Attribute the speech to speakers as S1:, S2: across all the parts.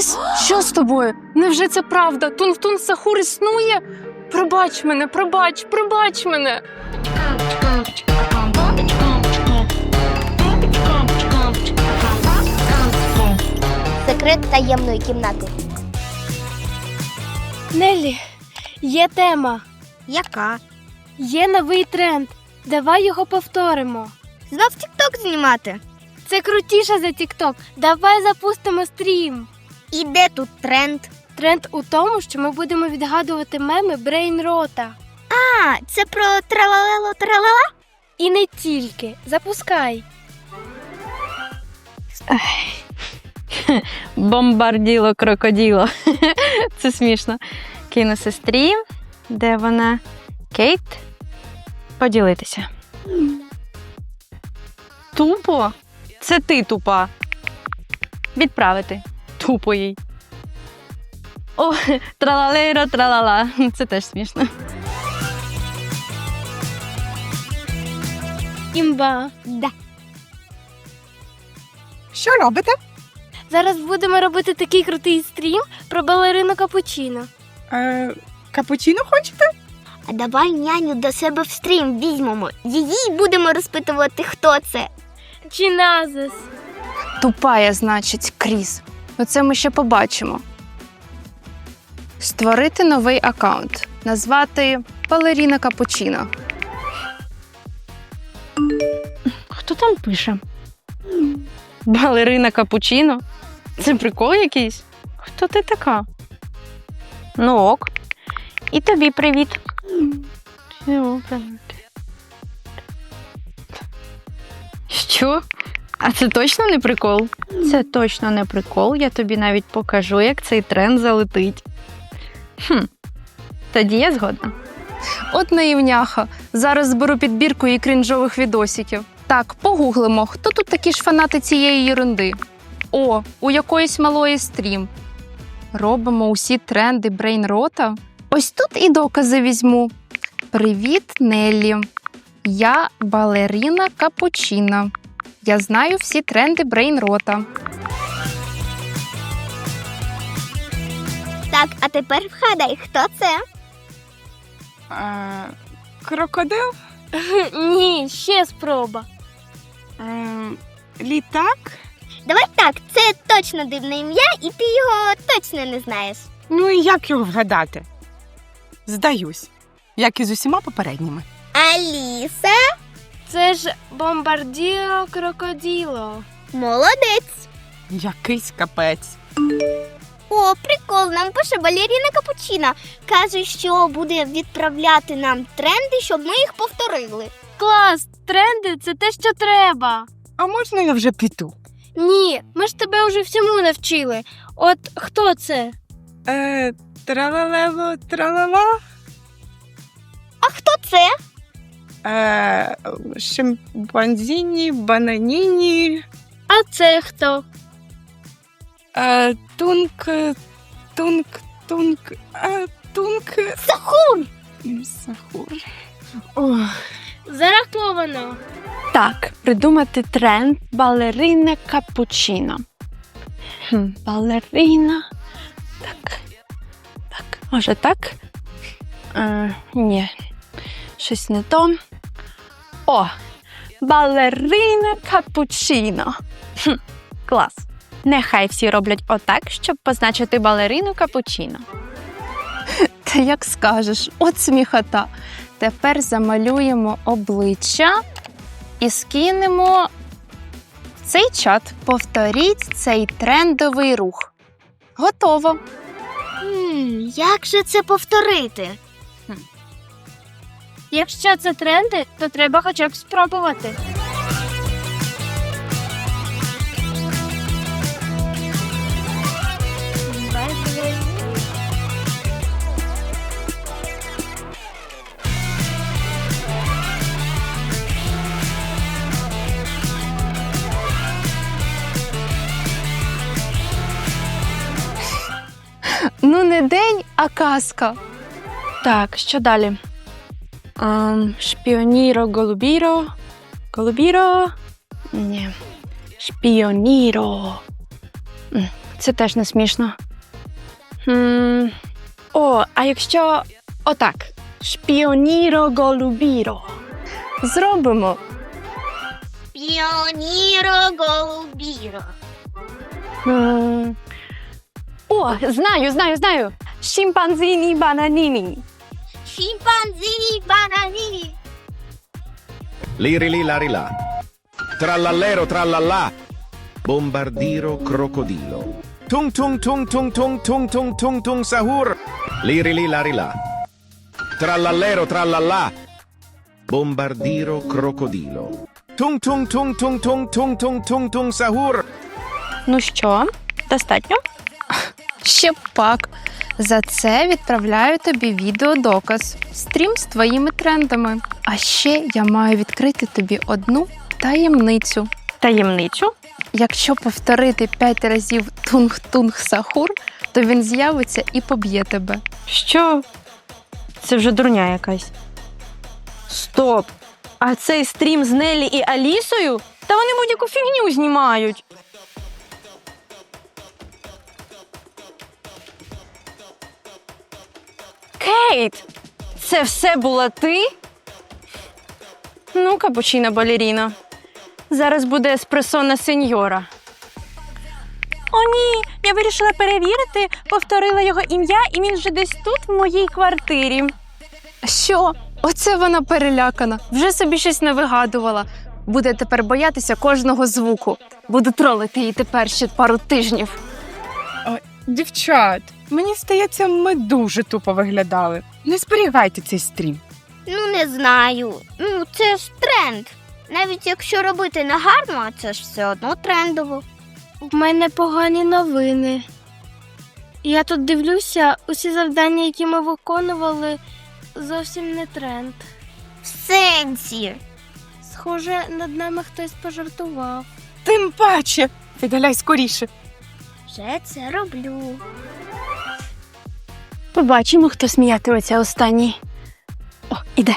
S1: Кріс, що з тобою? Невже це правда? Тун-Тун Сахур існує? Пробач мене, пробач мене.
S2: Секрет таємної кімнати.
S3: Неллі, є тема,
S2: Яка?
S3: є новий тренд. Давай його повторимо.
S2: Знов тік-ток знімати?
S3: Це крутіше за тік-ток. Давай запустимо стрім.
S2: І де тут тренд?
S3: Тренд у тому, що ми будемо відгадувати меми Брейнрота.
S2: А, це про тралалело-тралала?
S3: І не тільки. Запускай.
S4: Бомбарділо крокоділо. Це смішно. Кину сестрі. Де вона? Кейт. Поділитися. Тупо? Це ти тупа. Відправити. Тупо їй. О, тралалейро, тралала. Це теж смішно.
S3: Імба.
S2: Да.
S5: Що робите?
S3: Зараз будемо робити такий крутий стрім про балерину Капучино.
S5: Капучино хочете?
S2: А давай няню до себе в стрім візьмемо. Її будемо розпитувати, хто це.
S3: Чи назис?
S1: Тупая, значить, Кріс. Оце ми ще побачимо. Створити новий аккаунт. Назвати Балеріна Капучино.
S4: Хто там пише? Балерина Капучино? Це прикол якийсь? Хто ти така? Ну ок. І тобі привіт. Що? А це точно не прикол? Це точно не прикол. Я тобі навіть покажу, як цей тренд залетить. Тоді я згодна.
S1: От наївняха. Зараз зберу підбірку і крінжових відосиків. Так, погуглимо, хто тут такі ж фанати цієї єрунди. О, у якоїсь малої стрім. Робимо усі тренди Брейнрота. Ось тут і докази візьму. Привіт, Неллі. Я балерина Капучино. Я знаю всі тренди Брейнрота.
S2: Так, а тепер вгадай, хто це?
S5: Крокодил?
S3: Ні, ще спроба.
S5: Літак?
S2: Давай так, це точно дивне ім'я, і ти його точно не знаєш.
S5: Ну і як його вгадати? Здаюсь, як і з усіма попередніми.
S2: Аліса?
S3: Це ж бомбардіро крокоділо.
S2: Молодець.
S5: Якийсь капець.
S2: О, прикол, нам пише балеріна Капучино. Каже, що буде відправляти нам тренди, щоб ми їх повторили.
S3: Клас, тренди – це те, що треба.
S5: А можна я вже піду?
S3: Ні, ми ж тебе вже всьому навчили. От хто це?
S5: Тралалело, тралала.
S2: А хто це?
S5: Шимпанзіні, бананіні.
S3: А це хто?
S5: Тунк.
S2: Сахур!
S5: Сахур. Ох.
S3: Зараховано.
S4: Так, придумати тренд балерина Капучино. Балерина. Так. Може так? Ні. Щось не то. О! Балерина Капучино. Клас. Нехай всі роблять отак, щоб позначити балерину Капучино.
S1: Та як скажеш, от сміхота. Тепер замалюємо обличчя і скинемо в цей чат. Повторіть цей трендовий рух. Готово.
S2: Як же це повторити?
S3: Якщо це тренди, то треба хоча б спробувати.
S1: Ну не день, а казка.
S4: Так, що далі? Шпіоніро, голубіро. Голубіро? Ні. Шпіоніро. це теж не смішно. О, а якщо отак. Шпіоніро голубіро.
S1: Зробимо.
S2: Піоніро голубіро.
S4: О, знаю. Шимпанзіні бананіні.
S2: Шимпанзі банані.
S6: Liri li lari la. Trallallero trallallà. Bombardiro crocodilo. Tung tung tung tung tung tung tung tung tung sahur. Liri li lari la. Trallallero trallallà. Bombardiro crocodilo. Tung tung tung tung tung tung tung tung tung sahur.
S4: Ну що, достатньо?
S1: Ще б пак. За це відправляю тобі відеодоказ. Стрім з твоїми трендами. А ще я маю відкрити тобі одну таємницю.
S4: Таємничу?
S1: Якщо повторити 5 разів тунг-тунг-сахур, то він з'явиться і поб'є тебе.
S4: Що? Це вже дурня якась. Стоп! А цей стрім з Неллі і Алісою? Та вони будь-яку фігню знімають. Кейт! Це все була ти? Ну, капучино балеріно. Зараз буде еспресона сеньора. О, ні, я вирішила перевірити, повторила його ім'я, і він вже десь тут, в моїй квартирі.
S1: Що? Оце вона перелякана. Вже собі щось не вигадувала. Буде тепер боятися кожного звуку. Буду тролити її тепер ще пару тижнів.
S5: Дівчат, мені здається, ми дуже тупо виглядали. Не зберігайте цей стрім.
S2: Ну, не знаю. Ну, це ж тренд. Навіть якщо робити негарно, це ж все одно трендово.
S3: В мене погані новини. Я тут дивлюся, усі завдання, які ми виконували, зовсім не тренд.
S2: В сенсі.
S3: Схоже, над нами хтось пожартував.
S5: Тим паче. Видаляй скоріше.
S2: Вже це роблю.
S4: Побачимо, хто сміятиметься останній. О, іде.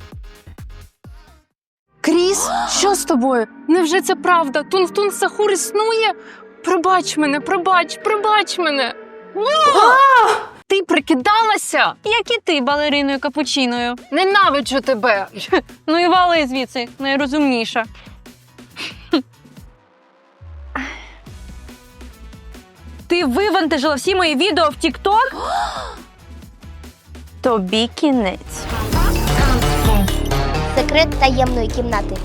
S1: Кріс, що з тобою? Невже це правда? Тунг-тунг-сахур існує? Пробач мене. Ти прикидалася?
S4: Як і ти, балериною капучиною.
S1: Ненавиджу тебе.
S4: Ну і вали звідси, найрозумніша. Ти вивантажила всі мої відео в TikTok? Тобі кінець.
S2: Секрет таємної кімнати.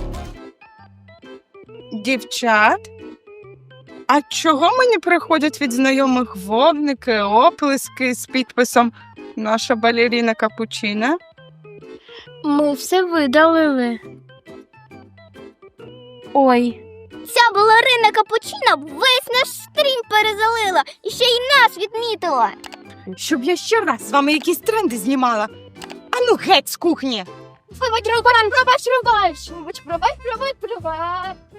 S5: Дівчат? А чого мені приходять від знайомих вогники, оплески з підписом «Наша балеріна капучина»?
S3: Ми все видалили. Ой,
S2: Ця балерина капучина весь наш стрім перезалила і ще й нас відмітила.
S5: Щоб я ще раз з вами якісь тренди знімала. Ану геть з кухні!
S2: Пробач.